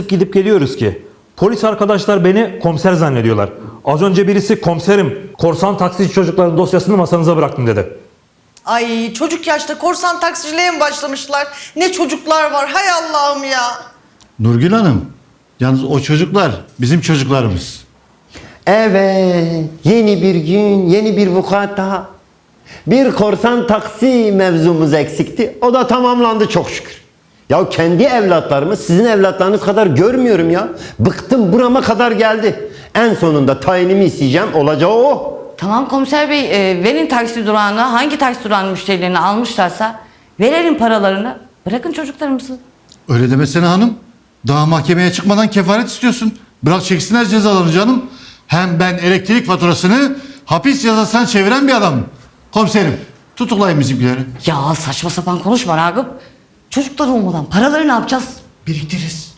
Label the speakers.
Speaker 1: gidip geliyoruz ki. Polis arkadaşlar beni komiser zannediyorlar. Az önce birisi komiserim, korsan taksici çocukların dosyasını masanıza bıraktım dedi.
Speaker 2: Ay çocuk yaşta korsan taksiciliğe mi başlamışlar? Ne çocuklar var hay Allah'ım ya.
Speaker 3: Nurgül Hanım, yalnız o çocuklar bizim çocuklarımız.
Speaker 4: Evet, yeni bir gün, yeni bir vukuat daha. Bir korsan taksi mevzumuz eksikti. O da tamamlandı çok şükür. Ya kendi evlatlarımı sizin evlatlarınız kadar görmüyorum ya. Bıktım, burama kadar geldi. En sonunda tayinimi isteyeceğim, olacağı o.
Speaker 5: Tamam komiser bey, verin taksi durağına, hangi taksi durağının müşterilerini almışlarsa verelim paralarını. Bırakın çocuklarımızı.
Speaker 3: Öyle demesene hanım. Daha mahkemeye çıkmadan kefaret istiyorsun. Bırak çeksinler cezalarını canım. Hem ben elektrik faturasını hapis cezasına çeviren bir adamım. Komiserim, tutuklayın bizimkileri.
Speaker 5: Ya saçma sapan konuşma Ragıp. Çocuklar olmadan paraları ne yapacağız?
Speaker 3: Biriktiririz.